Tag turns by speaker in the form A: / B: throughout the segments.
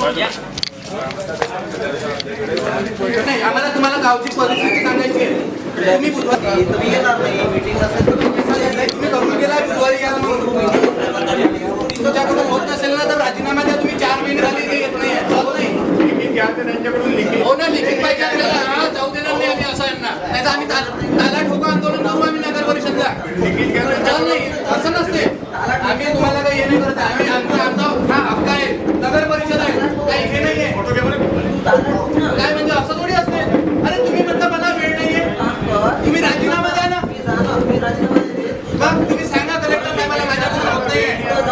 A: नाही, आम्हाला तुम्हाला गावची परिस्थिती सांगायची आहे. तुम्ही बुधवारी येणार नाही, मीटिंग नसेल तर तुम्ही करून गेला बुधवारी या म्हणून तुमच्याकडून होत नसेल ना तर राजीनामा द्या. तुम्ही 4 महिने झाले ते येत नाही जाऊ नाही हो ना, लिखित पाहिजे आपल्याला. जाऊ देणार नाही आम्ही असं यांना, नाही तर आम्ही ताला ठोका आंदोलन करू आम्ही नगर परिषदला. नाही असं नसते, आम्ही तुम्हाला काही हे नाही करत. आम्ही आमचा हा हक्क आहे, नगर परिषद आहे, काही हे नाहीये. काय म्हणजे असं थोडी असते. अरे तुम्ही म्हणता मला वेळ नाहीये, तुम्ही राजीनामा द्या ना. तुम्ही सांगा कलेक्टर साहेबांना माझ्याकडून होत नाहीये.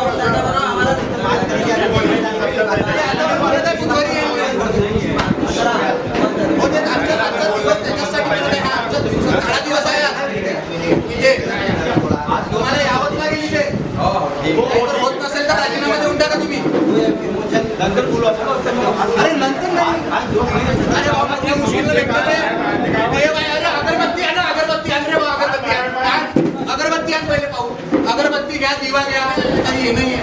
A: तुम्हाला यावंच लागेल इथे. होत नसेल तर राजीनामा देऊन टाका तुम्ही. नंतर बोलू. अरे नंतर नाही. अरे बाबा ते मुश्किल अगरबत्ती आहे ना, अगरबत्ती आण रे बाबा, अगरबत्ती आण. अगरबत्ती आण पहिले पाहू. अगरबत्ती घ्या, दिवा घ्या, काही हे नाहीये.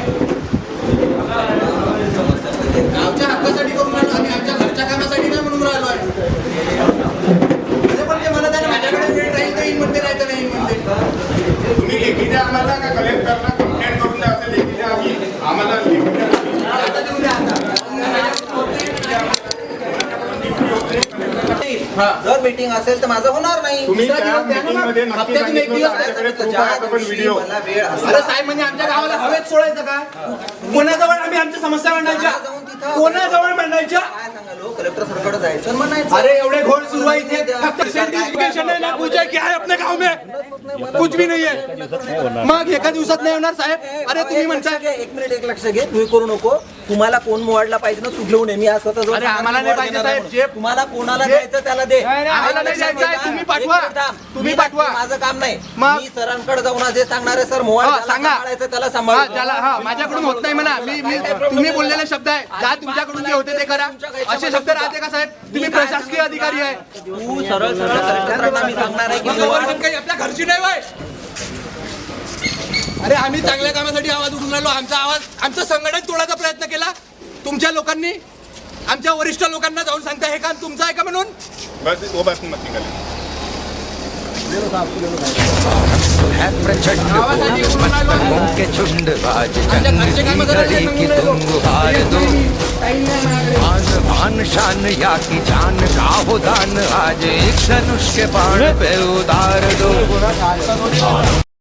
A: गावच्या हक्कासाठी करून राहिलो आम्ही, आमच्या घरच्या कामासाठी नाही म्हणून राहिलो आहे. पण ते म्हणत आहे माझ्याकडे वेळ राहील तर येईन म्हणते, नाही तर नाही म्हणते.
B: तुम्ही लेखी द्या आम्हाला का कलेक्टरला कंप्लेंट करून द्या. असं लेखी द्या, आम्ही आम्हाला लेखी द्या.
A: आता देऊन द्या.
C: जर मीटिंग असेल तर माझं होणार नाही.
B: तुम्ही त्या मीटिंगमध्ये नक्की सांगितलं माझ्याकडे प्रूफ आहे का पण व्हिडिओ.
A: अरे साहेब म्हणजे आमच्या गावाला हवेत सोडायचं का? कोणाजवळ आम्ही आमच्या समस्या मांडायच्या? कोणाजवळ मांडायच्या?
C: कलेक्टर सरकडे जायचं म्हणायचं.
A: अरे एवढे घोळ सुरू आहे इथे. फक्त सर्टिफिकेशन आहे ना, पूछा क्या है अपने गाव में? कुछ भी नहीं है. मग एका दिवसात नाही होणार साहेब. अरे तुम्ही म्हणताय.
C: 1 मिनिट, एक लक्ष घे. तुम्ही करू नको. तुम्हाला कोण मोडला पाहिजे ना, तू घेऊन ये. मी आज स्वतः जाऊन.
A: अरे आम्हाला नाही पाहिजे साहेब. जे
C: तुम्हाला कोणाला द्यायचं त्याला दे.
A: आम्हाला नाही द्यायचं आहे. तुम्ही पाठवा. तुम्ही पाठवा.
C: माझं काम नाही.
A: मग?
C: मी सरांकडे जाऊन जे सांगणार आहे, सर मोबाईल
A: सांगा.
C: त्याला सांभाळा.
A: त्याला माझ्याकडून होत नाही म्हणा. मी तुम्ही बोललेले शब्द आहे. जा तुमच्याकडून जे होते ते करा. असे शब्द राहते का साहेब? तुम्ही प्रशासकीय अधिकारी आहे.
C: तू सरळ कलेक्टरांना मी सांगणार आहे की
A: काही आपल्या घरची नाही वय. अरे आम्ही चांगल्या कामासाठी आवाज उठून राहिलो. आमचा आवाज, आमचं संघटन तोडायचा प्रयत्न केला तुमच्या लोकांनी. आमच्या वरिष्ठ लोकांना जाऊन सांगता हे काम तुमचं आहे का म्हणून.
B: बस वो बात मत निकाले.
D: के झुंड बाज जंगली घड़ी की तुम हार दो. आन बान शान या की जान का हो दान, आज एक धनुष के बाण पे उतार दो.